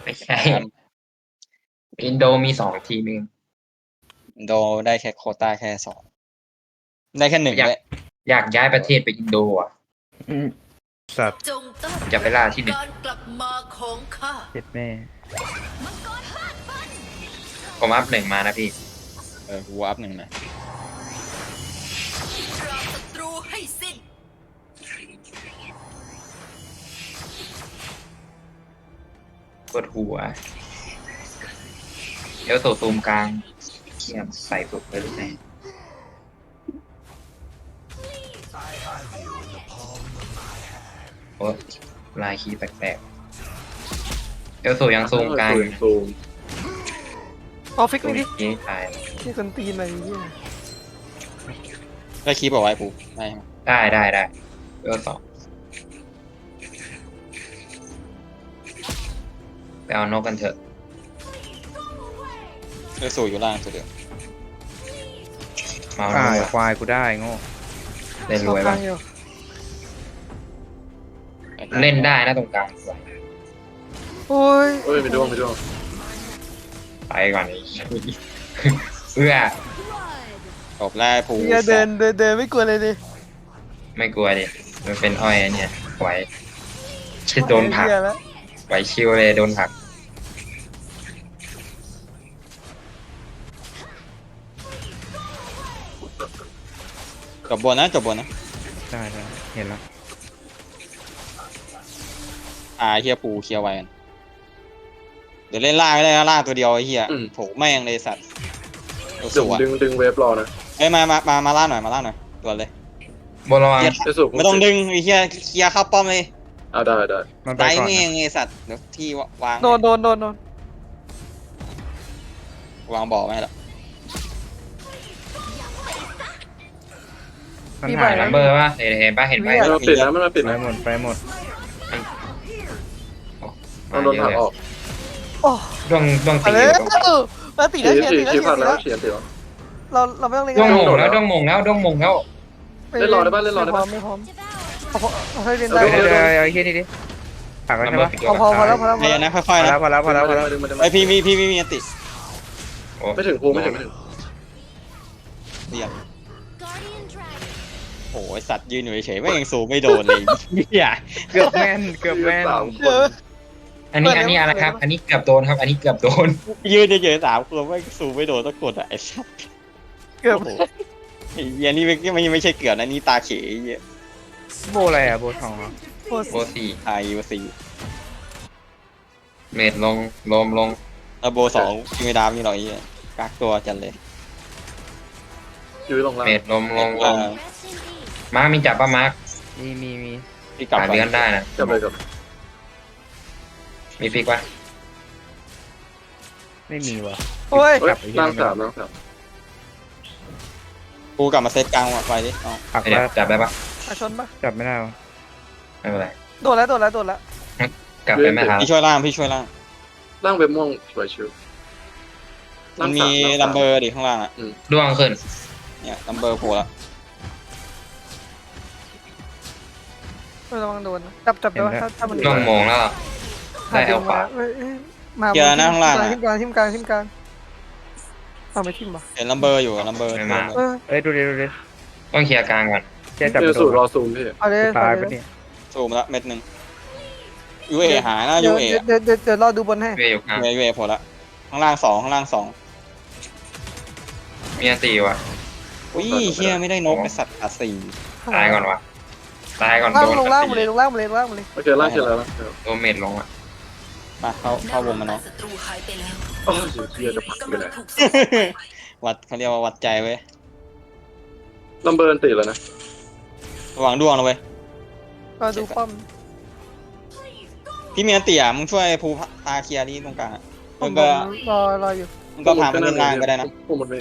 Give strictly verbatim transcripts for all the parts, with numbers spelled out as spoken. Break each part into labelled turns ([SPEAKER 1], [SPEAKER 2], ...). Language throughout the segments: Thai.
[SPEAKER 1] ไม่ใช่อินโดมีสองทีมเอง
[SPEAKER 2] อินโดได้แค่โควต้าแค่สองได้แค่หนึ่ง
[SPEAKER 1] อยาก
[SPEAKER 2] เลย
[SPEAKER 1] อยากย้ายประเทศไปอินโดอ่ะ
[SPEAKER 3] อืมสัตว์
[SPEAKER 4] จงต้อน
[SPEAKER 1] จะไปล่าที่หนึ่ง
[SPEAKER 4] การกลับมาของข้า
[SPEAKER 3] เจ็ดแม่
[SPEAKER 1] ผมอัพหนึ่งมานะพี่
[SPEAKER 2] เออกูอัพหนึ่งนะ
[SPEAKER 4] ปราบศัตรูให้สิ้น
[SPEAKER 1] กดหัวเดี๋ยวโซตูมกลางเขียมใส่ปุ๊บไปเลยแน่โอ้ลายคีย์แปลกๆเดี๋ยวโซยังซูมกลางอยู่นะ
[SPEAKER 5] ซูม
[SPEAKER 6] เอาฟิกนี่ดิ
[SPEAKER 1] นี่ตาย
[SPEAKER 6] นี่คนตีนอะไรอย่างเงี้ย
[SPEAKER 2] ได้คีบเอาไว้ปูได้ไหม
[SPEAKER 1] ได้ได้ได้เดี๋ยวสองไปเอานกกันเถอะ
[SPEAKER 2] เออสู่อยู่ล่างสุดเดียว
[SPEAKER 1] มาเอาน
[SPEAKER 3] อ่าก
[SPEAKER 1] อะ
[SPEAKER 3] ควายกูได้โง่
[SPEAKER 1] เล่นรวยบ้าง
[SPEAKER 6] เอากลางอยู่
[SPEAKER 1] เล่นได้นะตรงกลางสวย
[SPEAKER 6] โอ้ย
[SPEAKER 5] เฮ้ยไม่ด้วงไม่ด้วง
[SPEAKER 1] ไปก่อนไอ้ เอื้อ
[SPEAKER 2] จบแล้วปู
[SPEAKER 6] อย่าเดินเดินเดินไม่กลัวเลยดิ
[SPEAKER 1] ไม่กลัวดิมันเป็นอ้อยอันเนี่ยไหวชิดโดนผลัก
[SPEAKER 6] เหี้ยแล้ว
[SPEAKER 1] ไหวชิวเลยโดนผลัก
[SPEAKER 2] จบบนนะจบบนนะ
[SPEAKER 3] ได้ได้เห็นแล้ว
[SPEAKER 2] อ่าเฮียปูเคลียร์ไว้กันเดี๋ยวเล่นล่างก็ได้นะล่างตัวเดียวไอ้เฮียโผแม่งเลยสัตว์ตัว
[SPEAKER 5] ดึ
[SPEAKER 2] สู
[SPEAKER 5] ง
[SPEAKER 2] อะ
[SPEAKER 5] ดึงดึงเวฟรอนะ
[SPEAKER 2] เอ้ยมามามามาล่างหน่อยมาล่างหน่อยตัวเลย
[SPEAKER 1] บนระวัง
[SPEAKER 2] เหี้ย
[SPEAKER 5] จะสูบ
[SPEAKER 2] ไม่ต้องดึงไอ้เฮียเคลียร์เข้าป้อมเลย
[SPEAKER 5] เอาได้ได้
[SPEAKER 3] มันไป
[SPEAKER 2] ได้
[SPEAKER 3] ก่อน
[SPEAKER 2] แม่
[SPEAKER 3] นะ
[SPEAKER 2] งไอ้สัตว์เดี๋ยวที่วาง
[SPEAKER 6] โดนโดนโดนโดน
[SPEAKER 2] วางบ่อไว้ให้ละ
[SPEAKER 3] มันหาย
[SPEAKER 1] ลั
[SPEAKER 3] แล้ว
[SPEAKER 1] มเบอร์ป่ะเห็นเห็นป่ะเห็นป่ะ
[SPEAKER 5] มันมาปิดนะมันมาปิด
[SPEAKER 3] ไป
[SPEAKER 5] นะ
[SPEAKER 3] หมดไปหมด
[SPEAKER 5] มันโดนผลักออก
[SPEAKER 6] โอ้
[SPEAKER 1] ดวงดวง
[SPEAKER 6] มา
[SPEAKER 1] ตี
[SPEAKER 6] เลย
[SPEAKER 1] อยู่ตรง
[SPEAKER 6] มาตี
[SPEAKER 5] ฉี
[SPEAKER 6] แล้ว
[SPEAKER 5] ด
[SPEAKER 6] เฉียด
[SPEAKER 5] ฉี
[SPEAKER 6] ตี
[SPEAKER 5] ด
[SPEAKER 6] แล้ว
[SPEAKER 5] ฉี
[SPEAKER 6] เฉี
[SPEAKER 5] ด
[SPEAKER 6] ยด
[SPEAKER 5] ผัก
[SPEAKER 6] ตี
[SPEAKER 5] แล้ว
[SPEAKER 6] แล้ว
[SPEAKER 5] ฉีดแล้ว
[SPEAKER 6] เราเราไม่ต้องเล่น
[SPEAKER 1] ดวง
[SPEAKER 6] กัน
[SPEAKER 1] มงแล้วดวงมงแล้วดวงมงแล้ว
[SPEAKER 5] เล่นรอได้ป่ะเล่นรอได้
[SPEAKER 6] ไม่พร้อ
[SPEAKER 5] ป่ะ
[SPEAKER 6] มไม่พร้อมเอาพอเอาให้เล่น
[SPEAKER 5] เอ
[SPEAKER 6] ได้
[SPEAKER 5] อ
[SPEAKER 3] เดี๋ยวเดี๋ยวเดี๋ยวไอ้เหี้ยนี่ดิผักแล้ว
[SPEAKER 1] ลัม
[SPEAKER 3] ใช่
[SPEAKER 1] เบอ
[SPEAKER 3] ปะ
[SPEAKER 1] ร์ปิด
[SPEAKER 6] พอพอพอแล้วพอแล้วพอ
[SPEAKER 2] เดี๋
[SPEAKER 6] แล้
[SPEAKER 2] ยว วนะค่อยๆนะ
[SPEAKER 3] พอแล้วพอแล้วพอแล้ว
[SPEAKER 5] ดึงมาดึงมา
[SPEAKER 2] ไอพี่มีพี่มีมีอันติ
[SPEAKER 1] โอ้
[SPEAKER 5] ไม่ถึงภูไม่ถึงไม่ถึง
[SPEAKER 2] เรียบโอ้ยสัตว์ยืนอยู่เฉยๆไม่ยังสูงไม่โดนเลยเฮีย
[SPEAKER 3] เกือบแม่นเกือบแม่น
[SPEAKER 5] สามค
[SPEAKER 6] เดี๋ย
[SPEAKER 5] น
[SPEAKER 6] ว
[SPEAKER 1] อันนี้อันนี้อะไรครับ อันนี้เกือบโดนครับ อันนี้เกือบโดน
[SPEAKER 2] ยืนเฉยๆสามคนไม่สูงไม่โดนต้องกดอ่ะไอ้สัตว์
[SPEAKER 6] เกือบ
[SPEAKER 2] โอ้โหไอ้เฮียนี่ไม่ไม่ไม่ใช่เกือบนะนี่ตาเขยไอ้เฮีย
[SPEAKER 3] โบอะไรอ่ะโบทองเหรอ
[SPEAKER 6] โอ้
[SPEAKER 1] โบสี่
[SPEAKER 2] ไอวสี
[SPEAKER 1] เมดลงลมลง
[SPEAKER 2] แล้วโบสองยิงไม่ดามนี่หรอกไอ้เฮียกักตัวจันเลย
[SPEAKER 5] ยื้อลงล่าง
[SPEAKER 1] เมดลมลงล
[SPEAKER 2] อ่าง
[SPEAKER 1] มาร์คมีจับป่ะมาร์ค
[SPEAKER 3] มีมีมี
[SPEAKER 2] พี่กลับ
[SPEAKER 1] หา
[SPEAKER 2] ก่อน
[SPEAKER 1] เลื่อนได้นะ
[SPEAKER 5] จับเลยกับ
[SPEAKER 1] มีฟิกป่ะ
[SPEAKER 3] ไม่มีว่ะ
[SPEAKER 6] โอ้ย
[SPEAKER 5] เฮ้ยล่างสามล่างสาม
[SPEAKER 2] กูกลับมาเซตกลางไว้ดิเอา
[SPEAKER 3] ผัก
[SPEAKER 1] ไอ้เดี๋
[SPEAKER 3] แล้
[SPEAKER 1] ยว วจับได้ป่ะ
[SPEAKER 6] อาชนปะ
[SPEAKER 3] จับไม่ได้วะ
[SPEAKER 1] ไม่เป็นไร
[SPEAKER 6] โดนแล้วโดนแล้วโดนแล้ว
[SPEAKER 1] กลับไปไม่ทัน
[SPEAKER 2] พี่ช่วยล่างพี่ช่วยล่าง
[SPEAKER 5] ล่างเวฟม่วงสวยชิว
[SPEAKER 2] มันมีลัมเบอร์ดิข้างล่างอ่ะ
[SPEAKER 1] ดวงขึ้น
[SPEAKER 2] เนี่ยลัมเบอร์โผล่ละ
[SPEAKER 6] ไม่ระวังโดนนะจับจับได้ปะถ้าถ้ามัน
[SPEAKER 1] ดวงมงแล้ว ได้เอาขวา
[SPEAKER 6] เอ้ยเอ้ยมา
[SPEAKER 2] เจอหน้าข้างล่าง
[SPEAKER 6] ทิมกลางทิมกลางทิมกลางเอาไม่ทิมปะ
[SPEAKER 2] เห็นลัมเบอร์อยู่ลัมเบอร์
[SPEAKER 6] เออ
[SPEAKER 3] เอ้ยดูดิดูดิ
[SPEAKER 1] ต้องเคลียร์กลางก่อน
[SPEAKER 3] เจ๊จับ
[SPEAKER 5] เจ
[SPEAKER 3] ไป
[SPEAKER 5] อ
[SPEAKER 3] โด
[SPEAKER 5] สู
[SPEAKER 3] น
[SPEAKER 5] ตรรอซูมพี่
[SPEAKER 6] เอาเลย
[SPEAKER 3] ตาย
[SPEAKER 6] เอ
[SPEAKER 3] ปะ
[SPEAKER 6] เลย
[SPEAKER 3] เนี่ย
[SPEAKER 2] ซูมละเม็ดหนึ่งยูเอหายนะ
[SPEAKER 6] เดี๋
[SPEAKER 2] ยู
[SPEAKER 6] ยว
[SPEAKER 2] เอ
[SPEAKER 6] เดี๋ยวเดี๋ยวเดี๋ยวรอดูบนให้
[SPEAKER 1] เวอยู่กลาง
[SPEAKER 2] ยูเอยูเอโผล่ละข้างล่างสองข้างล่างสอง
[SPEAKER 1] มีอันตีว่ะ
[SPEAKER 2] อุ้ยเฮียไม่ได้นกไอสัตว์อาสี่
[SPEAKER 1] ตายก่อนวะตายก่อน
[SPEAKER 6] ล่าง
[SPEAKER 1] โดน
[SPEAKER 6] ลงล่างหมดเลยลงล่างหมดเลยลงล่างหมดเลย
[SPEAKER 5] โอเคล่างเสร็จแล้วนะ
[SPEAKER 1] โดนเมดลงอ่ะ
[SPEAKER 2] มาเข้าเข้าวงมาเนาะ
[SPEAKER 4] ศัตรูหายไปแล้ว
[SPEAKER 5] โอ้ยเฮียจะผลักไป
[SPEAKER 4] กำ
[SPEAKER 5] ไหน
[SPEAKER 4] ลังถูกส่งไป
[SPEAKER 2] วัดเขาเรียกว่าวัดใจเว้ย
[SPEAKER 5] ลัมเบอร์ติดแล้วนะ
[SPEAKER 2] ระวังดวงนะเว้ย
[SPEAKER 6] รอดูป้อม
[SPEAKER 2] พี่มีอันเตี่ยมึงช่วยภูพาเคลียร์นี่ตรงกลางอะ
[SPEAKER 6] ป้อ
[SPEAKER 2] มึ
[SPEAKER 6] ม
[SPEAKER 2] งก็
[SPEAKER 6] รอรออยู่
[SPEAKER 2] มึงก็พามันเล่นล่างก็ได้นะ
[SPEAKER 5] พุ่มหมดไม่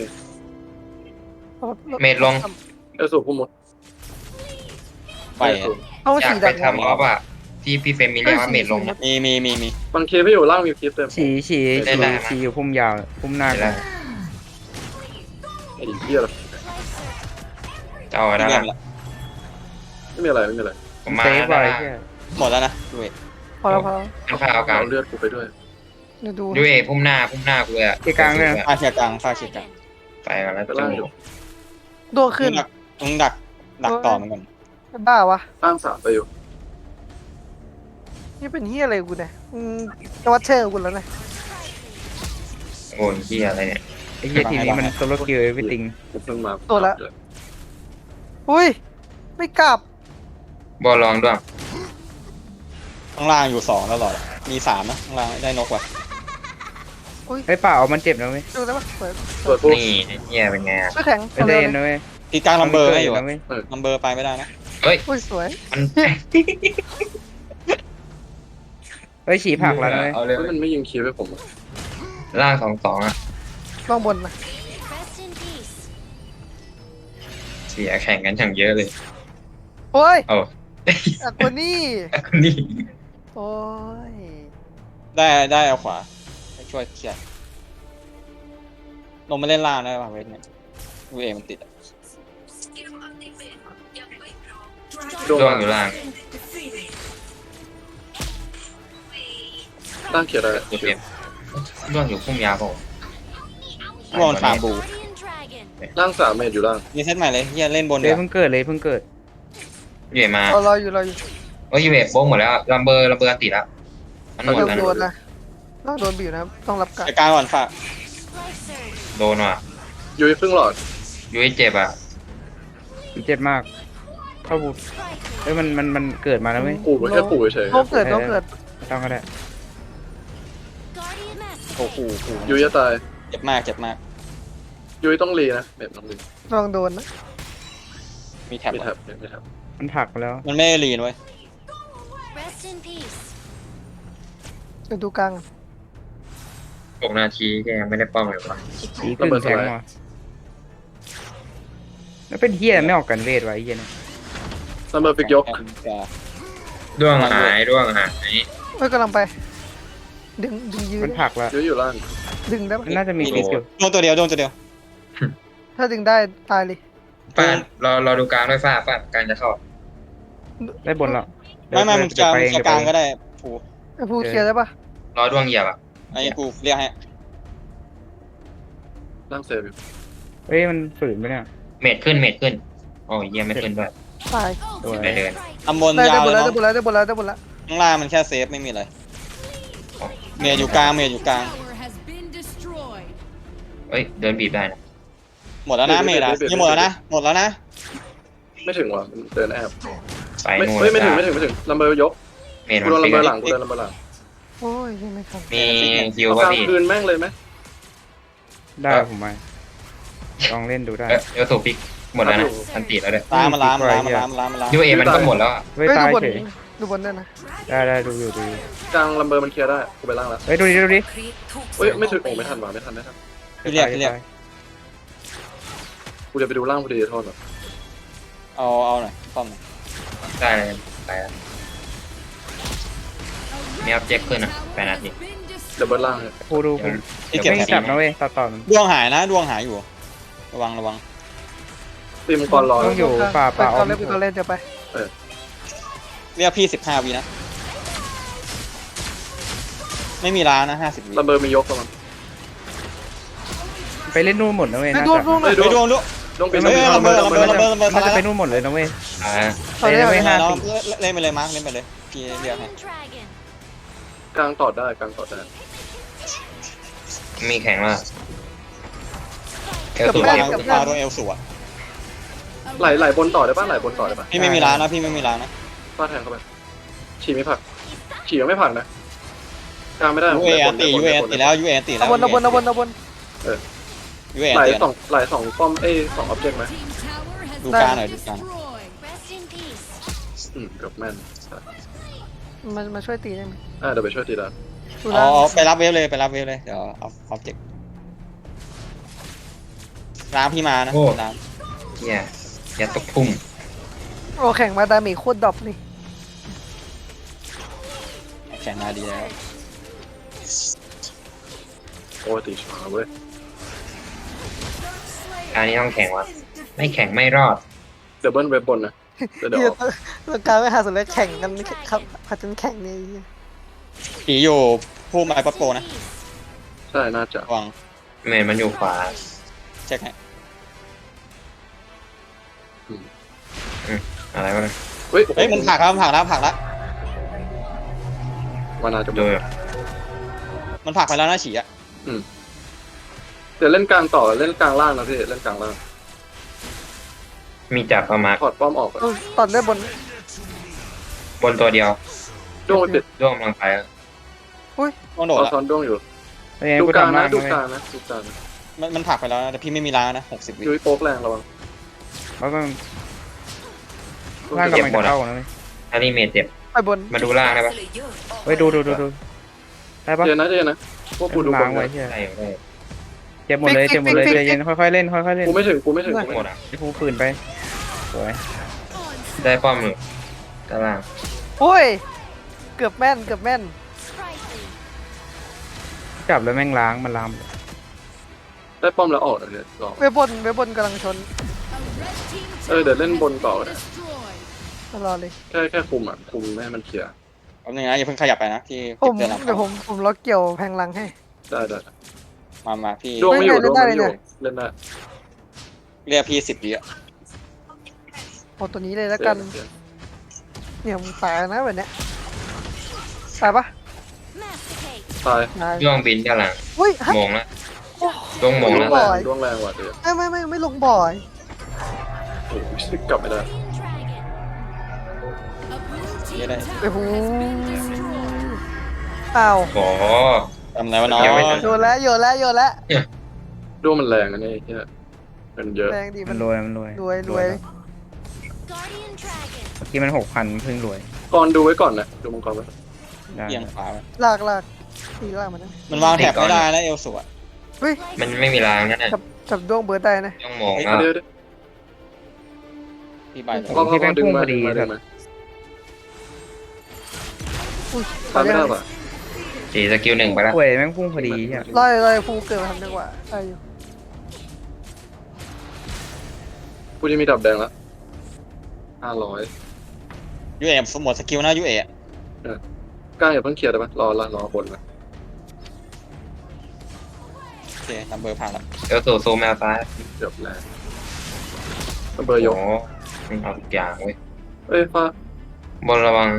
[SPEAKER 1] เมดลง
[SPEAKER 5] เออสูบพุ่มหมด
[SPEAKER 2] ไปอะ
[SPEAKER 6] เอา
[SPEAKER 1] อยาก
[SPEAKER 6] สี
[SPEAKER 1] ไป
[SPEAKER 6] ดัก
[SPEAKER 1] ทำออฟอ่ะที่พี่เฟรมมีเรียกว่าเมดลงอะ
[SPEAKER 2] มีมีมีมี
[SPEAKER 5] บางเคพี่อยู่ล่างมีคลิปเต็ม
[SPEAKER 3] ฉี่ฉี่
[SPEAKER 1] ได้
[SPEAKER 3] ฉี่
[SPEAKER 1] ได้
[SPEAKER 3] ฉี่อยู่พุ่มยาวพุ่มหน้า
[SPEAKER 1] เห็นแล้ว
[SPEAKER 5] ไอ้เฮีย
[SPEAKER 1] เจ้าได้
[SPEAKER 2] เรีย
[SPEAKER 1] ละ
[SPEAKER 2] บละ
[SPEAKER 5] ไม่มีอะไรไม่มีอะไร
[SPEAKER 1] ผมมา
[SPEAKER 3] เซฟ
[SPEAKER 1] ได้
[SPEAKER 3] ไว้
[SPEAKER 1] ละ
[SPEAKER 3] แค่
[SPEAKER 2] หมดแล้วนะดูเว้ย
[SPEAKER 6] พอแล้วพอแล้ว
[SPEAKER 1] มันพาเอากลาง
[SPEAKER 5] เอาเลือดกูไปด้วย
[SPEAKER 6] เดี๋ยวดู
[SPEAKER 1] ยูเอพุ่มหน้าพุ่มหน้ากูเลยอะ
[SPEAKER 3] เกียร์กลางเลยนะ
[SPEAKER 2] ฟาเชียร์กลางฟาเชียร์กลาง
[SPEAKER 1] ไปกันแล้ว
[SPEAKER 5] ไปล่างอยู่
[SPEAKER 6] โดนขึ้น
[SPEAKER 2] มึงดักมึงดักดักต่อมันก่อน
[SPEAKER 6] บ้าวะ
[SPEAKER 5] ล่างสามไปอยู่
[SPEAKER 6] นี่เป็นเฮียอะไรกูเนี่ยอืมจะวัดเชอร์กูแล้วนะ
[SPEAKER 1] โอ้ยเฮียอะไรเนี่ย
[SPEAKER 3] ไอ้เหี้ยทีมนี้มันโซโลคิวเอวิติง
[SPEAKER 5] กูเพิ่งมา
[SPEAKER 6] ตัวละ อุ้ยไม่กลับบ
[SPEAKER 1] อลลองด้วย
[SPEAKER 2] ข้างล่างอยู่สองตลอดมีสามนะข้างล่างได้นกว่ะ
[SPEAKER 3] ไอ้ยเปล่ามันเจ็บนะเว้ย
[SPEAKER 6] ดูได้ปะเปิด
[SPEAKER 5] เปิดปุ๊บ
[SPEAKER 1] นี่เฮียเป็นไงอะ
[SPEAKER 6] ไม่แข็ง
[SPEAKER 3] เป็นเดนนะเว้ย
[SPEAKER 2] ตีกลางลัมเบอร์ให้อยู่
[SPEAKER 3] นะเว้ย
[SPEAKER 2] ลัมเบอร์ไปไม่ได้นะ
[SPEAKER 1] เฮ้ย
[SPEAKER 6] อุ้ยสวย
[SPEAKER 1] มัน
[SPEAKER 3] เฮ้ยฉี่ผักแล้วนะเว้ย
[SPEAKER 1] เอาเลย
[SPEAKER 5] เฮ้ยมันไม่ยิงคีย์ให้ผมอะ
[SPEAKER 1] ล่างสองสองอะ
[SPEAKER 6] ล่องบนนะ
[SPEAKER 4] Rest in peace
[SPEAKER 1] เสียแข่งกันอย่างเยอะเลย
[SPEAKER 6] โอ้ย
[SPEAKER 1] โอ้
[SPEAKER 6] อะคนนี้
[SPEAKER 1] นี่
[SPEAKER 6] โอ้ย
[SPEAKER 2] ได้ได้เอาขวาให้ช่วยเคลียร์ลงมาเล่นล่างได้ป่ะเวทเนี่ยวีเอมันติดอะ
[SPEAKER 5] โดน
[SPEAKER 1] ร่วงอยู่ล่าง
[SPEAKER 5] ล่างเขียร์ได้
[SPEAKER 1] ตัวเต็มร่วงอยู่พุ่มยาวเปล่า
[SPEAKER 2] ร่วงฟาร์มบู
[SPEAKER 4] Guardian Dragon
[SPEAKER 5] ล่างสามเมตรอยู่ล่าง
[SPEAKER 2] มีเซตใหม่เลยเฮียเล่นบน
[SPEAKER 3] เดี๋
[SPEAKER 2] เดี๋
[SPEAKER 3] ย
[SPEAKER 2] ยว ว
[SPEAKER 3] เพิ่งเกิดเลยเพิ่งเกิด
[SPEAKER 1] ยูเอมา
[SPEAKER 6] รอรออยู่รออยู่
[SPEAKER 1] โอ้ยยูเอโบ้งหมดแล้วอะลัมเบอร์ลัมเบอร์ติดแล้วมันหมด
[SPEAKER 6] โดน
[SPEAKER 1] แล้ว
[SPEAKER 6] โดน
[SPEAKER 1] นะ
[SPEAKER 6] นะต้องโดนบีบนะครับต้องรับการ
[SPEAKER 2] ไปกลางก่อนฝาก
[SPEAKER 4] Life Surge
[SPEAKER 1] โดนว่ะ
[SPEAKER 5] ยุ้ยครึ่งหลอด
[SPEAKER 1] ยูเอเจ็บอ่ะ
[SPEAKER 3] มันเจ็บมากเข้าบูเฮ้ยมันมันมันเกิดมาแล้วเว้ย
[SPEAKER 5] ปู่มันแค่ปู่เฉย
[SPEAKER 6] ต้องเกิดต้องเกิด
[SPEAKER 3] ไม่ต้องก็ได้
[SPEAKER 4] Guardian Master
[SPEAKER 2] โอ้โหโอ้โห
[SPEAKER 5] ยุ้ยจะตาย
[SPEAKER 2] เจ็บมากเจ็บมาก
[SPEAKER 5] ยุ้ยต้องรีนะเมตรต้องรี
[SPEAKER 6] ลองโดนนะ
[SPEAKER 2] มีแท็บ
[SPEAKER 5] มี
[SPEAKER 2] เหร
[SPEAKER 5] แท็
[SPEAKER 2] อบ
[SPEAKER 5] มีแท็บ
[SPEAKER 3] มันผลักไปแล้ว
[SPEAKER 2] มันไม่ได้ลีนเว้ย
[SPEAKER 4] Rest in peace
[SPEAKER 6] เดี๋ยวดูกลาง
[SPEAKER 1] หกนาทีแกยังไม่ได้ป้อมเลยว่ะ
[SPEAKER 3] สีขึ้นแทงมาแล้วเป็นเฮียไม่ออกกันเวทไวะไอ้เฮียเนี่ย
[SPEAKER 5] ซัมเบอร์ฟิกยก
[SPEAKER 1] ร่วงหายร่วงหาย
[SPEAKER 6] เฮ้ยกำลังไป ดึงดึงยื
[SPEAKER 3] มัน นผลักแล้ว
[SPEAKER 5] ยุ้ยอยู่ล่าง
[SPEAKER 6] ดึงได้ปะ
[SPEAKER 3] มันน่าจะมีฟิกอยู่
[SPEAKER 2] โดนตัวเดียวโดนตัวเดียว
[SPEAKER 6] ถ้าดึงได้ตายเลย
[SPEAKER 1] ฟาดรอรอดูกลางด้วยฟ้าฟาดกลางจะเข้า
[SPEAKER 3] ได้บนแล้ว
[SPEAKER 2] ไม่ไม่มึง
[SPEAKER 3] เดี๋
[SPEAKER 2] จะ
[SPEAKER 3] ยวไป
[SPEAKER 2] มึ
[SPEAKER 3] เอง
[SPEAKER 2] งจะ
[SPEAKER 3] เดี๋ยว
[SPEAKER 2] ก
[SPEAKER 3] ไป
[SPEAKER 2] ลาง
[SPEAKER 3] เอง
[SPEAKER 2] ก็ได้ผู
[SPEAKER 6] ไอ้ผู้เคลียร์ได้ปะ
[SPEAKER 1] รอดวงเหยียบอ่ะ
[SPEAKER 2] ไอ้กูเรียกให้
[SPEAKER 5] ล่างเซฟอยู่
[SPEAKER 3] เฮ้ยมันฝืนไปเนี่ย
[SPEAKER 1] เมดขึ้นเมดขึ้นโอ้ยเยี่ยมไม่ขึ้นด้วย
[SPEAKER 6] ตาย
[SPEAKER 3] ตัว
[SPEAKER 1] ไม่เดิน
[SPEAKER 2] ตำบล
[SPEAKER 6] ได้
[SPEAKER 2] ยา
[SPEAKER 6] ได้
[SPEAKER 2] ว
[SPEAKER 6] หมด
[SPEAKER 2] เล
[SPEAKER 6] แล้ว
[SPEAKER 2] ย
[SPEAKER 6] ได้หมดแล้วได้หมดแล้วได้หมดแล้ว
[SPEAKER 2] ข้างล่างมันแค่เซฟไม่มีอะไรเมียอยู่กลางเมียอยู่กลาง
[SPEAKER 4] Tower has been destroyed
[SPEAKER 1] เอ้ยเดินบีบได้นะ
[SPEAKER 2] หมดแล้วนะเมดอ่ะนี่หมดแล้วนะหมดแล้วนะ
[SPEAKER 5] ไม่ถึงว่ะมันเดินแอบ
[SPEAKER 1] ไป
[SPEAKER 5] ไม่
[SPEAKER 1] นู่น
[SPEAKER 5] ไม่ไม่ถึง
[SPEAKER 1] จ้า
[SPEAKER 5] ไม่ถึงไม่ถึงลัมเบอร์ยก
[SPEAKER 1] เมด
[SPEAKER 5] กู
[SPEAKER 1] มั
[SPEAKER 5] โด
[SPEAKER 1] น
[SPEAKER 5] นลัม
[SPEAKER 1] ฟิก
[SPEAKER 5] เบอร์หลังกูโดนลัมเบอร์หลัง
[SPEAKER 6] โอ้ยยังไม่ทัน
[SPEAKER 1] มีฮิว
[SPEAKER 5] เอา
[SPEAKER 1] ป่ะ
[SPEAKER 5] กลาง
[SPEAKER 1] พี่
[SPEAKER 5] คืนแม่งเลยไหม
[SPEAKER 3] ได้ผมมาลองเล่นดูได้
[SPEAKER 1] เออเดี๋ยวสูบปิกหมดแล้วนะอันติดแล้วด้วย
[SPEAKER 2] ล้างมันล้างมันล้างมันล้างมันล้างมันล้าง
[SPEAKER 1] ยูเอมันก็หมดแล้วอะ
[SPEAKER 3] เฮ้ย
[SPEAKER 6] เฮ้ย
[SPEAKER 3] ตา
[SPEAKER 6] ดู
[SPEAKER 3] ย
[SPEAKER 6] บน
[SPEAKER 3] เฉย
[SPEAKER 6] ดูบนด้วยนะ
[SPEAKER 3] ได้ได้ดูอยู่ดูอยู่
[SPEAKER 5] กลางลัมเบอร์มันเคลียร์ได้กูไปล่างแล้ว
[SPEAKER 3] เฮ้ยดูดิดูดิ
[SPEAKER 4] ครีปถูก
[SPEAKER 5] เฮ้ยไม่ถึง
[SPEAKER 4] ส่
[SPEAKER 5] โอ้
[SPEAKER 4] ง
[SPEAKER 5] ไม่
[SPEAKER 4] ป
[SPEAKER 5] ทันว่ะไม่ทันไม่ทัน
[SPEAKER 2] พี่เรียกพี่เรียก
[SPEAKER 5] กูจะไปดูล่างพอดีโทษหรอ
[SPEAKER 2] เอาเอาหน่อยป้อมหน่อย
[SPEAKER 1] ได้เลยไปแล้วมีอัพเจ็คขึ้นอ่ะแปดนาที
[SPEAKER 5] เดี๋ยวเบิร์ดล่างให้
[SPEAKER 3] กูดูกู
[SPEAKER 2] ที่เก็บ
[SPEAKER 3] ไม่
[SPEAKER 2] แท็บ
[SPEAKER 3] จับนะเว้ยต่อต่อมัน
[SPEAKER 2] ดวงหายนะดวงหายอยู่ ระวังระวัง
[SPEAKER 5] ตีมงกรรอ
[SPEAKER 3] ต้องอยู่ป่า
[SPEAKER 6] ไป
[SPEAKER 3] ป่า
[SPEAKER 6] ก่อนเล่นไปก่อนเล่นเดี๋ยวไป
[SPEAKER 2] เรียกพี่สิบห้าวินะ ไม่มีล้างนะห้าสิบวิ
[SPEAKER 5] ลัมเบอร์มียกประมาณ
[SPEAKER 3] ไปเล่นนู่นหมดนะเว้ย
[SPEAKER 6] ไป
[SPEAKER 3] น่า
[SPEAKER 6] ดู
[SPEAKER 3] จะ
[SPEAKER 6] ดูหน่อย
[SPEAKER 2] ไปดวงด้วย
[SPEAKER 5] ต้อง
[SPEAKER 2] เฮ้
[SPEAKER 5] เป็น
[SPEAKER 2] ยระเบิดระเบิดระเบิดระเบิด
[SPEAKER 3] น่าจะ
[SPEAKER 2] ระ
[SPEAKER 3] ไป
[SPEAKER 2] เบิด
[SPEAKER 3] นู่นหมดเลยนะเว้ย
[SPEAKER 1] อ่า
[SPEAKER 6] ตอนนี้
[SPEAKER 3] ไป
[SPEAKER 6] ไม่
[SPEAKER 3] ห้า
[SPEAKER 2] เราเล่นไปเลยมาร์คเล่นไปเลยพี่เรียกให้
[SPEAKER 4] Dragon
[SPEAKER 5] กลางต่อได้กลางต่อได้
[SPEAKER 1] มีแข่งว่าเอล
[SPEAKER 2] ตั
[SPEAKER 1] สู
[SPEAKER 2] ว
[SPEAKER 1] บ
[SPEAKER 2] กลาง
[SPEAKER 1] เอล
[SPEAKER 2] ตัวกลางตัวเอลสวะ
[SPEAKER 5] ไหลไหลบนต่อได้ป่ะไหลบนต่อได้ป่ะ
[SPEAKER 2] พี่ไม่มีล้างนะพี่ไม่มีล้างนะ
[SPEAKER 5] ฟาดแทงเข้าไปฉี่ไม่ผักฉี่ยังไม่ผักนะกลางไม่ได้
[SPEAKER 2] ยูเอตียูเอตีแล้วยูเอตีแล้
[SPEAKER 6] เอา
[SPEAKER 2] ว
[SPEAKER 6] บนเอาบนเอาบนเอาบน
[SPEAKER 2] ยูเอ
[SPEAKER 5] ไหล
[SPEAKER 2] ตี
[SPEAKER 5] สองไหลสองป้อมเอ้สองออบเจกต์ไหม
[SPEAKER 2] ดูกลางหน่อยดูกลาง
[SPEAKER 4] Rest in peace
[SPEAKER 5] อืมเกับแม่น
[SPEAKER 6] มามาช่วยตีได้ไหม
[SPEAKER 5] อ่าเดี๋ยวไปช่วยตีแล้ว
[SPEAKER 6] ดู
[SPEAKER 2] อ๋
[SPEAKER 6] ล่าง
[SPEAKER 2] อไปรับเวฟเลยไปรับเวฟเลยเดี๋ยวเอาออบเจกต์ล้างพี่มานะล้าง
[SPEAKER 1] เฮียอย่าตกพุ่ม
[SPEAKER 6] โอ้แข่งมาดาเมจโคตรดรอปนี่
[SPEAKER 2] แข่งมาดีแล้ว
[SPEAKER 5] โอ้ตีช้าเว้ย
[SPEAKER 1] การนี้ต้องแข่งวะไม่แข่งไม่รอด
[SPEAKER 5] เดี๋ยวเบิ้ลเว็บบนนะเดี๋ยวเดี๋ยว
[SPEAKER 6] เฮีย
[SPEAKER 5] ออก
[SPEAKER 6] ตัวการไม่หาสุดเลยแข่งกันครับผัดจนแข่งเนี่ย
[SPEAKER 2] ผีอยู่ผู้ไม้ปัดโปนะ
[SPEAKER 4] Peace
[SPEAKER 5] ใช่น่าจะ
[SPEAKER 2] ระวัง
[SPEAKER 1] เมนมันอยู่ขวา
[SPEAKER 2] เช็คให้
[SPEAKER 1] อะไรวะเนี่ย
[SPEAKER 5] เฮ้ย
[SPEAKER 2] เฮ้ยมันผลักแล้วมันผลักแล้วผลักแล้ว
[SPEAKER 5] มันน่าจะ
[SPEAKER 1] ดู
[SPEAKER 2] มันผลักไปแล้วนะฉีอ่ะ
[SPEAKER 5] เดี๋ยวเล่นกลางต่อเล่นกลางล่างนะพี่เล่นกลางล่าง
[SPEAKER 1] มีจับประมาณ
[SPEAKER 5] ถอดป้อมออกก่อน
[SPEAKER 6] เอาตัดได้บน
[SPEAKER 1] บนตัวเดียว
[SPEAKER 5] ด้วงไปปิด
[SPEAKER 1] ร่วงกำลังไปแล้ว
[SPEAKER 2] ต้องโดด
[SPEAKER 5] รอ
[SPEAKER 2] ละ
[SPEAKER 5] ซ้อนด้วงอยู่
[SPEAKER 3] เอ้ย
[SPEAKER 5] ดู
[SPEAKER 3] กู
[SPEAKER 5] กลาง
[SPEAKER 3] ทำ
[SPEAKER 5] นะ
[SPEAKER 3] ล่าง
[SPEAKER 5] ดู
[SPEAKER 3] เลย
[SPEAKER 5] กลางนะดูกลางนะ
[SPEAKER 2] มันมันผลักไปแล้วนะแต่พี่ไม่มีล้างนะหกสิบวิ
[SPEAKER 5] ยุ้ยโป๊กแรงระวัง
[SPEAKER 3] แล้วก็ล่างกำลังจะเข้านะเว้ย
[SPEAKER 1] ถ้านี่เมจเจ็บ
[SPEAKER 6] ไปบน
[SPEAKER 1] มาดูล่างได้ปะ
[SPEAKER 3] เฮ้ยดูดูดูดูได้ปะ
[SPEAKER 5] เจนนะเจนนะพวกกูดูบ
[SPEAKER 3] ล้าง
[SPEAKER 5] น
[SPEAKER 3] ไว้
[SPEAKER 5] เลย
[SPEAKER 3] เชี่ย
[SPEAKER 1] ได้ได้
[SPEAKER 3] เจ็บหมดเลยเจ็บหมดเลยใจเย็นค่อยๆเล่นค่อยๆเล่น
[SPEAKER 5] กูไม่ถึงกูไม่ถึงกู
[SPEAKER 1] หม
[SPEAKER 5] ไม่ถึ
[SPEAKER 1] ด
[SPEAKER 5] ง
[SPEAKER 1] อ่ะ
[SPEAKER 3] ไอ้ภูปืนไปสวย
[SPEAKER 1] ได้ป้อมหนึ่งด้านล่าง
[SPEAKER 6] โอ้ยเกือบแม่นเกือบแม่น
[SPEAKER 4] Sprightly.
[SPEAKER 3] จับแล้วแม่งล้างมันล้าง
[SPEAKER 5] ได้ป้อมแล้วออกเลยเนี่ยรอ
[SPEAKER 6] เวบนเวบนกำลังชน
[SPEAKER 4] A red team
[SPEAKER 5] เออเดี๋ยวเล่นบนต่อนะ
[SPEAKER 4] destroyed.
[SPEAKER 6] รอเลย
[SPEAKER 5] แค่แค่คุมอ่ะคุมไม่ให้มันเคลียร์
[SPEAKER 2] แป๊บนึงนะอย่าเพิ่งขยับไปนะพี่
[SPEAKER 6] ผ
[SPEAKER 2] เก็บ
[SPEAKER 6] ม
[SPEAKER 2] เดือนหลัง
[SPEAKER 6] เดี๋ยวผมผมล็อกเกี่ยวแพงหลังให้
[SPEAKER 5] ได้ได้
[SPEAKER 2] มามาพี่
[SPEAKER 5] ดวงไม่อยู่
[SPEAKER 6] เล่
[SPEAKER 5] ด
[SPEAKER 6] น
[SPEAKER 5] วง
[SPEAKER 6] ได้
[SPEAKER 5] ไม่อยู่
[SPEAKER 6] เลยเนี่ย
[SPEAKER 5] เล่นได้
[SPEAKER 2] เรียกพี่สิบวิอ่ะ
[SPEAKER 6] เอาตัวนี้เลยแล้วกัน
[SPEAKER 5] เดี๋ยว
[SPEAKER 6] เนี่ยมึงตายนะแบบเนี้ยตายปะ
[SPEAKER 4] Masticate.
[SPEAKER 5] ตาย
[SPEAKER 6] ตาย
[SPEAKER 1] ร่วงบินด้านหลัง
[SPEAKER 6] อุ้ยฮะ
[SPEAKER 1] มงแล้วร่วงมง
[SPEAKER 5] ด
[SPEAKER 1] แล้ว ว
[SPEAKER 5] งแร
[SPEAKER 6] บ่อย
[SPEAKER 5] งดวงแรงว่ะเดี๋ยว
[SPEAKER 6] ไม่ไม่ไม่ไม่ลงบ่อย
[SPEAKER 5] โอ้ยกลับไม่ได้
[SPEAKER 4] Dragon. A blue team
[SPEAKER 2] Yeah, that-
[SPEAKER 4] tower
[SPEAKER 6] โอ้โห
[SPEAKER 4] has been destroyed.
[SPEAKER 6] อ้าว
[SPEAKER 1] โอ้โห
[SPEAKER 2] ทำอะไรวะน้อง
[SPEAKER 1] ยังไม่ทัน
[SPEAKER 6] โยนแล้วโยนแล้วโยนแล้ว
[SPEAKER 5] ดวงมันแรงอันนี้เนี่ยมันเยอะ
[SPEAKER 6] แรงดี
[SPEAKER 3] มั
[SPEAKER 6] มัน น
[SPEAKER 3] รวยมันรวย
[SPEAKER 6] รวยรวย
[SPEAKER 4] Guardian Dragon.
[SPEAKER 3] เมื่อกี้มันหกพันเพิ่งรวย
[SPEAKER 5] ก่อนดูไว้ก่อนนะดูมังกรไว้
[SPEAKER 3] ได้
[SPEAKER 2] เอียงขวาไป
[SPEAKER 6] ลากลากตีลากมันนะ
[SPEAKER 2] มันวางแถบไม่ได้แล้วเอลสวย
[SPEAKER 6] เฮ้ย
[SPEAKER 1] มันไม่มีรางนั่นน่ะ
[SPEAKER 6] จับจับดวงเบิร์ดได้นะ
[SPEAKER 1] ร่วงมงแล้ว
[SPEAKER 5] เดี๋ยวเดี๋ยว
[SPEAKER 2] พี่ใบเลย
[SPEAKER 5] พอพอพอดึงมาดึงมาดึงมา
[SPEAKER 6] อุ้ย
[SPEAKER 5] ตามไม่ได้ป่ะ
[SPEAKER 1] สี่สกิลหนึ่งไปแล้ว
[SPEAKER 3] ป่วยแม่งพุ่งพอดีใช่
[SPEAKER 6] ลอยลอยฟูเกิดมาทำจังหวะได้อยู่
[SPEAKER 5] กูจะมีดับแดงละห้าร้อย
[SPEAKER 2] ยูเอหมดสกิลนะยูเอก
[SPEAKER 5] ล้างอย่าเพิ่งเคลียร์ได้ปะรอรอรอบนนะ
[SPEAKER 2] โอเคนัมเบอร์ผ่านแล้ว
[SPEAKER 1] เอลสูซูแมวซ้าย
[SPEAKER 5] เดี๋ยวแรงเบอร์ย
[SPEAKER 1] โอ้
[SPEAKER 5] ก
[SPEAKER 1] โหมันเอาทุกอย่างเว้ย
[SPEAKER 5] เอ้ยฟ้า
[SPEAKER 1] บนระวัง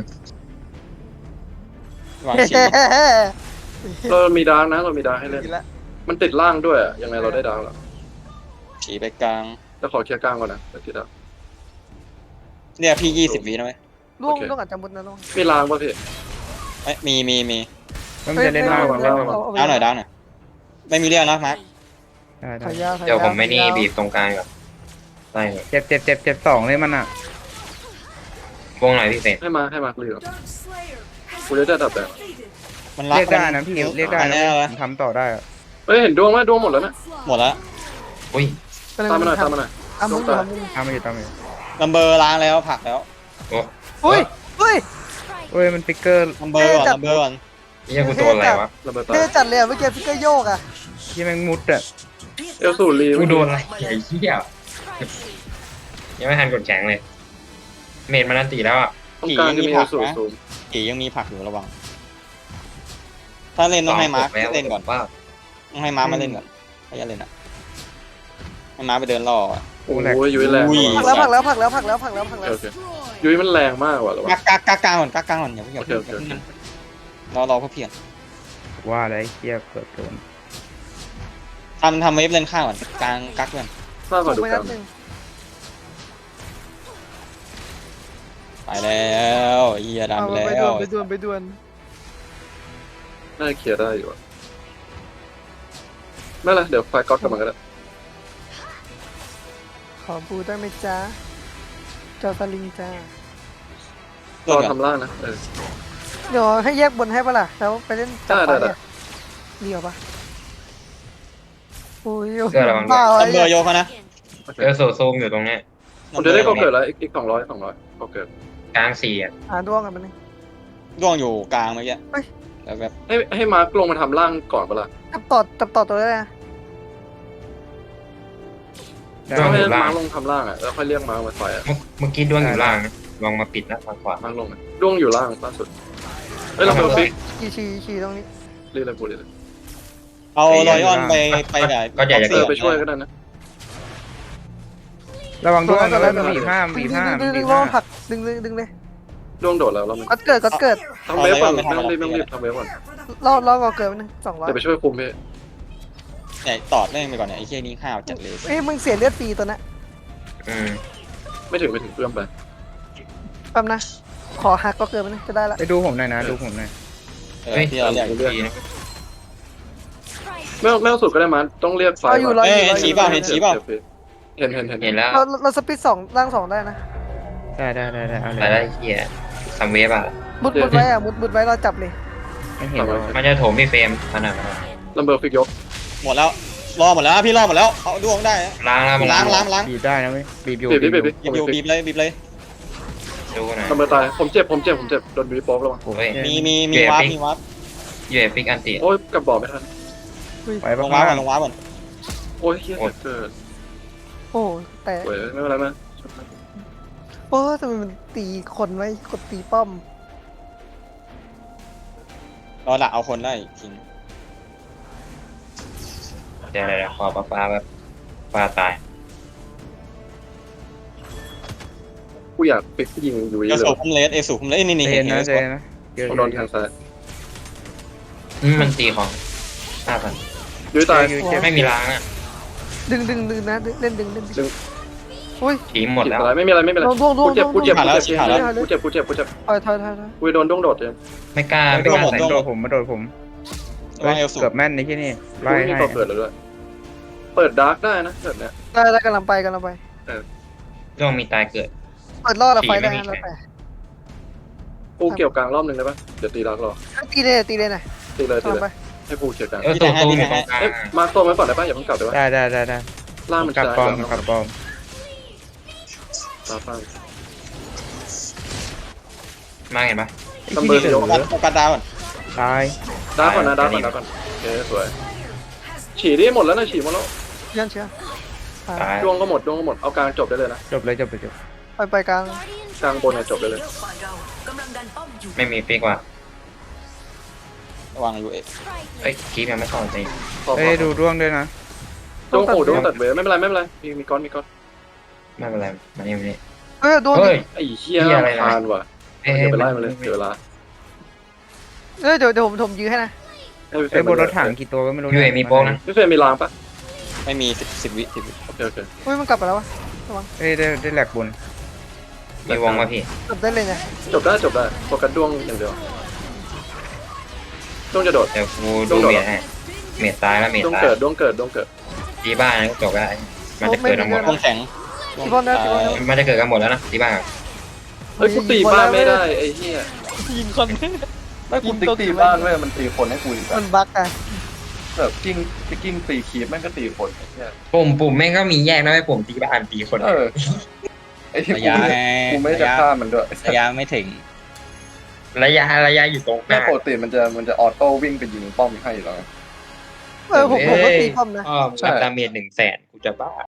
[SPEAKER 2] วางชี
[SPEAKER 5] เรามีดาร์กนะเรามีดาร์กให้เล่น
[SPEAKER 6] ดีละ
[SPEAKER 5] มันติดล่างด้วยอะยังไงเราได้ดาร์กแล้ว
[SPEAKER 2] ฉีไปกลาง
[SPEAKER 5] จะขอเคลียร์กลางก่อนนะเดี๋ยวติดดาร์ก
[SPEAKER 2] เรียกพี่ยี่สิบวินะเว้ย
[SPEAKER 6] ล่วง
[SPEAKER 5] โอเค
[SPEAKER 6] ล่วงอาจจะมุดนะล่วง
[SPEAKER 5] มีล่างป่ะพี่
[SPEAKER 2] เอ้ยมีมีมี
[SPEAKER 3] มันจะเล่น
[SPEAKER 6] ฮ้
[SPEAKER 3] ล่าง
[SPEAKER 6] ฮ้
[SPEAKER 3] เล่น
[SPEAKER 6] เอ
[SPEAKER 3] ล่าง
[SPEAKER 6] เอ
[SPEAKER 2] ดาวหน่อยดาวหน่อยไม่มีเรียกนะมาร์ค
[SPEAKER 3] ได้ได้
[SPEAKER 6] ถอยยาวถอย
[SPEAKER 1] เดี๋ยว
[SPEAKER 6] าว
[SPEAKER 1] ผมไม่นี่
[SPEAKER 6] ถอยยาว
[SPEAKER 1] บีบตรงกลางก่อนไล่เลย
[SPEAKER 3] เจ็บเจ็บเจ็บเจ็บสองเลยมันอ่ะ
[SPEAKER 1] วงไหนพี่เศษ
[SPEAKER 5] ให้มาให้มาเรือกูจะได้ดับแดง
[SPEAKER 2] มันรัก
[SPEAKER 3] เรียกได้นะพี่
[SPEAKER 2] มั
[SPEAKER 3] เรียกได้
[SPEAKER 2] อั
[SPEAKER 3] นะ
[SPEAKER 2] แน่เลย
[SPEAKER 3] ผมทำต่อได้อะ
[SPEAKER 5] เฮ้ยเห็นดวงไหมดวงหมดแล้วนะ
[SPEAKER 2] หมดแล้ว
[SPEAKER 1] อุ้ย
[SPEAKER 5] ตามมาหน่อยตามมาหน่อย
[SPEAKER 6] อ่ะมึงอยู่อ่ะมึง
[SPEAKER 3] ทำมาอยู่ทำมาอยู่
[SPEAKER 2] นัมเบอร์ล้างแล้วผลักแล้ว
[SPEAKER 1] โอ้
[SPEAKER 6] เฮ้ยเฮ้ย
[SPEAKER 3] เฮ้ยมันฟิกเกอร์
[SPEAKER 2] นัมเบอร์ก่อน
[SPEAKER 6] จับ
[SPEAKER 2] นัมเบอร์ก่อน
[SPEAKER 1] เหี้ยกูตัวอะไรวะ
[SPEAKER 5] ระเบิดตา
[SPEAKER 6] เท่จัดเลยอ่ะเมื่อกี้ฟิกเกอร์โยกอ่ะ
[SPEAKER 3] ที่แม่งมุดอ่ะ
[SPEAKER 5] เอลสูรี
[SPEAKER 1] กูโดนอะไรไอ้เหี้ย
[SPEAKER 4] Sprightly.
[SPEAKER 1] ยังไม่ทันกดแข็งเลย เมดมันนันตีแล้วอ่ะ
[SPEAKER 5] ตรงกลางจะมีเอลสูซูม
[SPEAKER 2] ผียังมีผลักอยู่ระวัง ถ้าเล่นต้องให้มาร์ค
[SPEAKER 1] แล้ว
[SPEAKER 2] เล่นก่อน
[SPEAKER 1] ว่า
[SPEAKER 2] ต้องให้มาร์คมาเล่นก่อนให้ยันเล่นอ่ะให้มาร์คไปเดินล่ออ่ะ
[SPEAKER 5] โอ้ยยุ้ยแรง
[SPEAKER 2] อุ้ย
[SPEAKER 6] ผลักแล้วผลักแล้วผลักแล้วผลักแล้วผลักแล้วผลัก
[SPEAKER 5] โอ
[SPEAKER 6] แล้ว
[SPEAKER 5] เค
[SPEAKER 4] Destroyed.
[SPEAKER 5] ยุ้ยมันแรงมากว่ะหรอ
[SPEAKER 2] กักกักกักกลางก่อนกักกลางก่อนอย่าเพิ่งอย่า
[SPEAKER 5] โอเค
[SPEAKER 2] เพิ่ง
[SPEAKER 5] โอเคโอเค
[SPEAKER 2] รอรอเพื่อเพียง
[SPEAKER 3] ว่าอะไรเกียเกิดโดน
[SPEAKER 2] ทำทำเวฟเล่นข้างก่อนกลางกักก่อน
[SPEAKER 5] มากกว่าดู
[SPEAKER 6] ไป
[SPEAKER 5] กั
[SPEAKER 6] นั
[SPEAKER 5] น
[SPEAKER 6] ดหนึ่ง
[SPEAKER 2] ไปแล้วเฮียดำ
[SPEAKER 6] เอา
[SPEAKER 2] ไป
[SPEAKER 6] ไป
[SPEAKER 2] แล้
[SPEAKER 6] ด่ว
[SPEAKER 2] วน
[SPEAKER 6] ไปด่วนไปด่วน
[SPEAKER 5] น่าจะเคลียร์ได้อยู่อะไม่เป็นไรเดี๋ยวไฟก๊อตกลับมาก็ได้
[SPEAKER 6] ขอบูได้ไหมจ๊ะเจ้าสลิงจ้าร
[SPEAKER 5] อ
[SPEAKER 2] ก่อน
[SPEAKER 5] ทำล่างนะเออ
[SPEAKER 6] เดี๋ยวให้แยกบนให้ปะล่ะแล้วไปเล่นจับ
[SPEAKER 5] ได้
[SPEAKER 6] ไฟ
[SPEAKER 5] ได้
[SPEAKER 6] อ่ะเดียวปะโอ้ย
[SPEAKER 1] เกิดระวัง
[SPEAKER 6] บ้า
[SPEAKER 2] นั
[SPEAKER 6] ไอ้
[SPEAKER 2] มเบอร์โยกเขานะ
[SPEAKER 5] โอเค
[SPEAKER 1] เอลสูซูมอยู่ตรงเนี้ย
[SPEAKER 5] ผมจะได้ก็เกิดแล้วอีกอีกสองร้อยสองร้อยก็เกิด
[SPEAKER 1] กลางสี่อ่ะ
[SPEAKER 6] หาดวงกันมันง
[SPEAKER 2] ร่วงอยู่กลางเมื่อกี้
[SPEAKER 6] เฮ้ย
[SPEAKER 2] แล้วแบบ
[SPEAKER 5] ให้ให้มาร์กลงมาทำล่างก่อนเปะล่า
[SPEAKER 6] จับต่อจับต่อตัวได้นะ
[SPEAKER 3] ได้
[SPEAKER 1] ด้วง
[SPEAKER 5] ให้
[SPEAKER 1] อยู่ล่า
[SPEAKER 5] มาง ร์กลงทำล่างอ่ะแล้วค่อยเรียกมาร์กมาไฟอ่ะ
[SPEAKER 1] เมื่อเมื่อกี้ด้วงอยู่ล่างนะลองมาปิดนะทางขวา
[SPEAKER 5] มาร์กลงนะดวงอยู่ล่างล่าสุดเอ้ยเราเบอร์ฟิก
[SPEAKER 6] ขี่ขี่ขี่ตรงนี้
[SPEAKER 5] รีเลยกูรีเลย
[SPEAKER 2] เอเอารอยออนไปไปแบบ
[SPEAKER 1] ก็อยากจะ
[SPEAKER 5] เออไปช่วยก็ได้นะ
[SPEAKER 3] ระวังด้วย
[SPEAKER 6] ระวั
[SPEAKER 3] ระ
[SPEAKER 6] ง
[SPEAKER 3] วัง
[SPEAKER 6] ด้วย
[SPEAKER 3] บีบห้าม
[SPEAKER 6] ดึ
[SPEAKER 3] บี
[SPEAKER 6] ง
[SPEAKER 3] บห้าม
[SPEAKER 6] ดึงดึ
[SPEAKER 3] บี
[SPEAKER 6] ง
[SPEAKER 3] บ
[SPEAKER 6] ล
[SPEAKER 3] ห้า
[SPEAKER 6] อง
[SPEAKER 3] ม
[SPEAKER 6] ผลักดึงดึงดึงเลย
[SPEAKER 5] ดวงโดดแล้วเรา
[SPEAKER 6] ก็เกิดก็เกิด
[SPEAKER 5] ทำเวฟก่อนไม่ต้องรีบไม่ต้องรีบทำเวฟก่อน
[SPEAKER 6] รอรอก่อนเกิดไปหนึ่งสองร้อย
[SPEAKER 5] เดี๋ยวไปช่วยคุมพี่
[SPEAKER 2] เนี่ยตอดแม่งไปก่อนเนี่ยไอ้เหี้ยนี่ห้าวจัดเลย
[SPEAKER 6] เอ้ยมึงเสียเลือดฟรีตัวนั้น
[SPEAKER 1] อืม
[SPEAKER 5] ไม่ถึงไม่ถึงเพื่อนไป
[SPEAKER 6] แป๊บนะ ขอหักก็เกิดไปหนึ่งจะได้ละ
[SPEAKER 3] ไปดูผมหน่อยนะดูผมหน่อย
[SPEAKER 2] เออ
[SPEAKER 1] เฮ้ย
[SPEAKER 2] ที่เราเรียก
[SPEAKER 1] ดีนะ
[SPEAKER 5] ไม่เอาไม่เอาสุดก็ได้มั้ยต้องเรียกไฟ
[SPEAKER 6] เอาอยู่รอ
[SPEAKER 2] เอ้
[SPEAKER 6] อยู่
[SPEAKER 2] ย
[SPEAKER 6] รออ
[SPEAKER 2] ชี้
[SPEAKER 6] ยู่
[SPEAKER 2] เปล่าเห็นชี้เปล่า
[SPEAKER 5] เห็นเห็นเห็น
[SPEAKER 1] เห็นแล้ว
[SPEAKER 6] เราเราสปิดสองร่างสองได้นะ
[SPEAKER 3] ได้ได้ได้ได้เอาเล
[SPEAKER 1] แต่
[SPEAKER 3] ย
[SPEAKER 1] ได้เฮียซัมเวฟอ่ะ
[SPEAKER 6] มุดมุดไว้อะมุดมุดไว้เราจับเลย
[SPEAKER 3] ไม่เห็นหรอก
[SPEAKER 1] มันจะโถมพี่เฟรมขนาดนั้น
[SPEAKER 5] ลัมเบอร์ฟิกยก
[SPEAKER 2] หมดแล้วรอหมดแล้วพี่รอหมดแล้วเอาดวงได้นะ
[SPEAKER 1] ล้างแล้วมัน
[SPEAKER 2] ล้างล้างล้าง
[SPEAKER 3] บีบได้นะเว้ยบีบอยู่
[SPEAKER 5] บีบดิบีบดิ
[SPEAKER 2] บีบอยู่บีบเลยบีบเลย
[SPEAKER 1] ดูหน่อย
[SPEAKER 5] ลัมเบอร์ตายผมเจ็บผมเจ็บผมเจ็บโดนบีบโป๊กแล้ว
[SPEAKER 1] เฮ้ย
[SPEAKER 2] มีมีมีวาร์ปมีวาร์ป
[SPEAKER 1] ยูเอฟิกอันติ
[SPEAKER 5] โอ้ยกลับบ่อไม่ทัน
[SPEAKER 3] ไป
[SPEAKER 2] ล
[SPEAKER 3] บ้าง
[SPEAKER 2] งวาร์ปก่อนลงวาร์ปก่อน
[SPEAKER 5] โอ้ยเฮียเกิด
[SPEAKER 6] โอ้แต่
[SPEAKER 5] เว้ยไม่เป็นไรมั้ย
[SPEAKER 6] โอ้ทำไมมันตีคนไว้กดตีป้อม
[SPEAKER 2] รอละเอาคนได้จริง
[SPEAKER 1] เดี๋ยวเดี๋ยวขอปลาปลาแบบปลาตาย
[SPEAKER 5] กูอยากปิดยิงอยู่
[SPEAKER 2] เอ
[SPEAKER 5] เล
[SPEAKER 2] สู
[SPEAKER 5] ย
[SPEAKER 2] คุมเลสเอสูคุมเลสนี่นี่
[SPEAKER 3] เจ
[SPEAKER 2] เห็
[SPEAKER 3] น
[SPEAKER 2] น
[SPEAKER 3] นะ
[SPEAKER 2] เห็น
[SPEAKER 3] เจนนะเยอะ
[SPEAKER 5] ผมโดนทางซ้าย
[SPEAKER 1] อืมมันตีของห้าพัน
[SPEAKER 5] ยุ้ยตาย
[SPEAKER 1] ไม่มีล้างอ่ะ
[SPEAKER 6] ดึงดึงดึงนะดึงเล่นดึงเล่นดึง
[SPEAKER 5] ดึง
[SPEAKER 6] อุ้ย
[SPEAKER 1] ทีหมดแล้ว
[SPEAKER 5] อะไรไม่มีอะไรไม่มีอะไร
[SPEAKER 6] ดวงดวงดว
[SPEAKER 5] กู
[SPEAKER 6] ง
[SPEAKER 5] เจ็บกูเจ็บ
[SPEAKER 6] ดวง
[SPEAKER 5] กูเจ็บกูเจ็บกูเจ็บกูเจ็บ
[SPEAKER 6] ถอยถอยถอยถอย
[SPEAKER 5] กูโดนดวงโดดเลย
[SPEAKER 1] ไม่กล้าไม่กล้าใส่
[SPEAKER 3] มาโดนผมมาโดนผม
[SPEAKER 2] วางเอลสู
[SPEAKER 3] เกือบแม่นในที่นี่
[SPEAKER 5] กู
[SPEAKER 3] ไล่
[SPEAKER 5] ไม่มี
[SPEAKER 3] ให้
[SPEAKER 5] ตัวเปิดเลยด้วยเปิดดาร์กได้นะแบบเนี้ย
[SPEAKER 6] ได้ได้กำลังไปกำลังไป
[SPEAKER 1] ช่วงมีตายเกิด
[SPEAKER 6] เปิดรอดอะไฟได้
[SPEAKER 1] ขี่
[SPEAKER 6] นะ
[SPEAKER 1] ไม่
[SPEAKER 6] เรา
[SPEAKER 1] มี
[SPEAKER 6] ไป
[SPEAKER 5] กูเกี่ยวกลางรอบนึงได้ปะเดี๋ยวตีดาร์กรอ
[SPEAKER 6] ตีเลยตีเลยหน่อย
[SPEAKER 5] ตีเลยตี
[SPEAKER 6] กำลัง
[SPEAKER 5] เล
[SPEAKER 6] ไป
[SPEAKER 5] ยให้กูเกี่ยวกลาง
[SPEAKER 1] เออตัวตู้อยู่ตรงกลาง
[SPEAKER 5] เอ๊ะมาตัวไว้ก่อนได้ปะอย่าเพิ่งกลับได้ปะ
[SPEAKER 3] ได้ได้ได้ได้
[SPEAKER 5] ล่างมัน
[SPEAKER 3] กลับ
[SPEAKER 5] จะ
[SPEAKER 3] ปอมกลับปอม
[SPEAKER 5] ตาฟัง
[SPEAKER 1] มาเห็นปะ
[SPEAKER 5] ซัมเบอร์
[SPEAKER 3] ที่
[SPEAKER 5] ย
[SPEAKER 3] นี่
[SPEAKER 5] ก
[SPEAKER 3] เหลือ
[SPEAKER 2] โอกาสดาวก่อน
[SPEAKER 3] ตาย
[SPEAKER 5] ดาร์กก่อนนะดาร์กก่อนดาร์กก่อนโอเคสวยฉี่ได้หมดแล้วนะฉี่หมดแล้ว
[SPEAKER 6] เชื่อเชื่อ
[SPEAKER 1] ตาย
[SPEAKER 5] ดวงก็หมดดวงก็หมดเอากลางจบได้เลยนะ
[SPEAKER 3] จบเลยจบเลยจบ
[SPEAKER 6] ไปไปกลาง
[SPEAKER 5] กลางบนเนี่ยจบได้เลย
[SPEAKER 1] ไม่มีฟิกว่ะ
[SPEAKER 2] ระวังอยู่เอ
[SPEAKER 1] เอ้ยคีบยังไม่เข้าจริง
[SPEAKER 5] พอพ
[SPEAKER 3] เอ้
[SPEAKER 5] อย
[SPEAKER 3] ดูร่วงด้วยนะ
[SPEAKER 5] ดวงโอ้ดวงตัดเวไม่เป็นไรไม่เป็นไรมีมีก้อนมีก้อน
[SPEAKER 1] ไม่เป็นไรมานี่มานี่
[SPEAKER 6] เออโดน
[SPEAKER 1] เฮ้ย
[SPEAKER 5] ไอ้เหี้ย
[SPEAKER 1] เหี้ยอะไรนะ
[SPEAKER 5] พานว่ะ
[SPEAKER 1] เอ้ย
[SPEAKER 5] เดี๋ยวไปไล่มาเลยเดี๋ยวเวลา
[SPEAKER 6] เออเดี๋ยวเดี๋ยวผมผมยื้อให้นะ
[SPEAKER 5] ให้พี่เฟ
[SPEAKER 3] ไอ้
[SPEAKER 5] ร
[SPEAKER 3] ย
[SPEAKER 5] ม
[SPEAKER 3] บนรถถังกี่ตัวก็ไม่รู้
[SPEAKER 1] ยูเอมีโป๊กนะ
[SPEAKER 5] พี่เฟรมมีรางปะ
[SPEAKER 2] ไม่มีสิบสิบวิสิบวิ
[SPEAKER 5] โอเคโอเค
[SPEAKER 6] อุ้ยมันกลับไปแล้ววะ
[SPEAKER 3] เอ้ยได้ได้แหลกบน
[SPEAKER 1] มีวงมาพี่
[SPEAKER 6] จบได้เลยนะ
[SPEAKER 5] จบได้จบได้โฟกัสดวงอย่างเดียวดวงจะโดด
[SPEAKER 1] เดี๋ยวกูดูเมียให้เมียตายแล้วเมีย
[SPEAKER 5] ดวง
[SPEAKER 1] ตาย
[SPEAKER 5] เกิดดวงเกิดดวงเกิด
[SPEAKER 1] ตีบ้านก็จบได้มันจะเกิดทั้งหมด
[SPEAKER 2] วงแข็ง
[SPEAKER 6] ที่บอลนะที่บอลนะ
[SPEAKER 1] มันจะเกิดกันหมดแล้วนะตีบ้าน
[SPEAKER 5] เฮ้ยกูตีบ้านไม่ได้ไอ้เหี้ย
[SPEAKER 6] ยิงคน
[SPEAKER 5] ไม่กูตีตีบ้านเว้ยมันตีคนให้กูอีก
[SPEAKER 6] มันบั๊กอะ
[SPEAKER 5] แบบกิ้งกิ้งตีคีบแม่งก็ตีคนไอ้เหี้ย
[SPEAKER 1] ปุ่มปุ่มแม่งก็มีแยกนะไม่ปุ่มตีบ้านตีคน
[SPEAKER 5] เออไอ้ที่
[SPEAKER 2] ระ
[SPEAKER 5] กู
[SPEAKER 2] ยะ
[SPEAKER 5] ไม่กูไม่จะฆ่ามันด้วย
[SPEAKER 2] ระยะไม่ถึง
[SPEAKER 1] ระยะระยะอยู่ตรงห
[SPEAKER 5] แม่
[SPEAKER 1] น้า
[SPEAKER 5] ปกติมันจะมันจะออโต้วิ่งไปยิงป้อมให้แล้ว
[SPEAKER 6] เออผมผมก็ตีป้อมนะ
[SPEAKER 1] อ๋อรับดาเมจหนึ่งแสนกูจะบ้า